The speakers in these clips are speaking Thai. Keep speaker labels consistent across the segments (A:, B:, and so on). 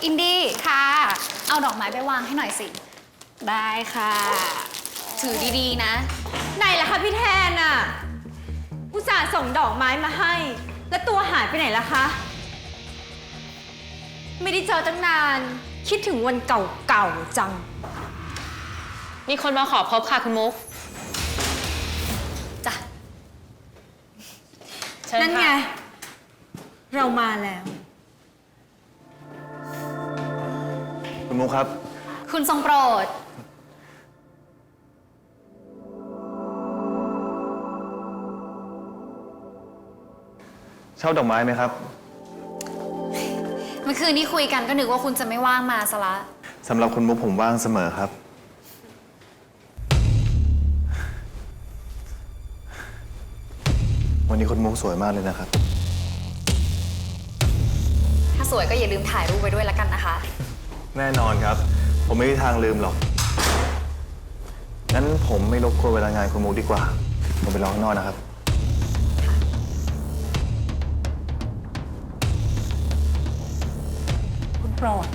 A: อินดี้ค่ะ เอาดอกไม้ไปวางให้หน่อยสิ
B: ได้ค่ะ
A: ถือดีๆนะ
B: ไหนล่ะคะพี่แทนอะอุตส่าห์ส่งดอกไม้มาให้ แล้วตัวหายไปไหนล่ะคะ ไม่ได้เจอตั้งนาน คิดถึงวันเก่าๆจัง
C: มีคนมาขอพบค่ะคุณมุก
A: จ้ะ
C: เชิญค่ะ
B: นั่นไง เรามาแล้ว
D: คุณมุกครับ
A: คุณทรงโปรด
D: เช่าดอกไม้ไหมครับ
A: เมื่อคืนที่คุยกันก็นึกว่าคุณจะไม่ว่างมาซะละ
D: สำหรับคุณมุกผมว่างเสมอครับ วันนี้คุณมุกสวยมากเลยนะครับ
A: ถ้าสวยก็อย่าลืมถ่ายรูปไว้ด้วยละกันนะคะ
D: แน่นอนครับ ผมไม่มีทางลืมหรอก งั้นผมไม่รบกวนเวลางานคุณมุกดีกว่า ผมไปรอข้างนอกนะครับ
B: คุณโปรด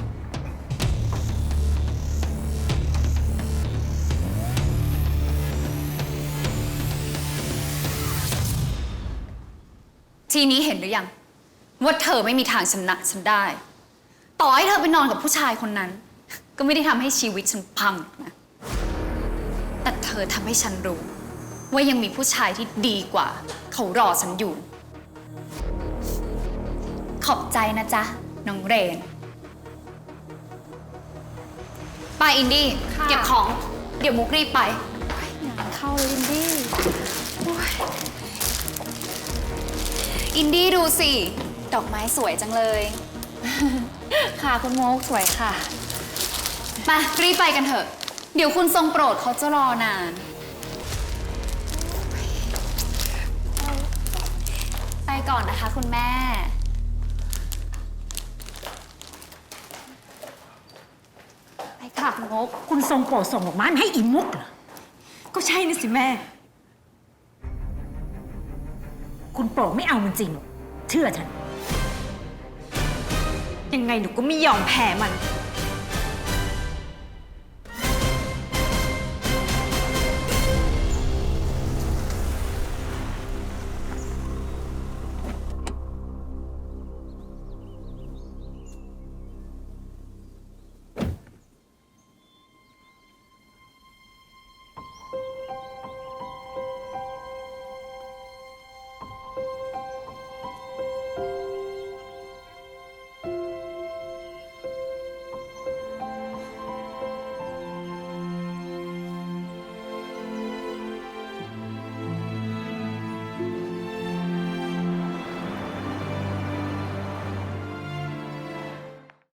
A: ทีนี้เห็นหรือยัง ว่าเธอไม่มีทางชนะฉันได้ ต่อให้เธอไปนอนกับผู้ชายคนนั้น ก็ไม่ได้ทำให้ชีวิตฉันพังนะแต่เธอทำให้ฉันรู้ ว่ายังมีผู้ชายที่ดีกว่า เขารอฉันอยู่ ขอบใจนะจ๊ะ น้องเรน ไปอินดี้
B: ค่ะ
A: เก็บของ เดี๋ยวมุกรีบไป
B: งานเข้าเลยอินดี้
A: อินดี้ดูสิ ดอกไม้สวยจังเลย
B: ค่ะคุณโมกสวยค่ะ
A: มารีบไปกันเถอะ เดี๋ยวคุณทรงโปรดเขาจะรอนาน ไปก่อนนะคะคุณแม่
B: ไปค่ะคุณโมกคุณทรงโปรดส่งดอกไม้มาให้อีมุกเหรอ ก็ใช่นะสิแม่ คุณโปรดไม่เอามันจริงหรอกเชื่อฉัน ยังไงหนูก็ไม่ยอมแพ้มัน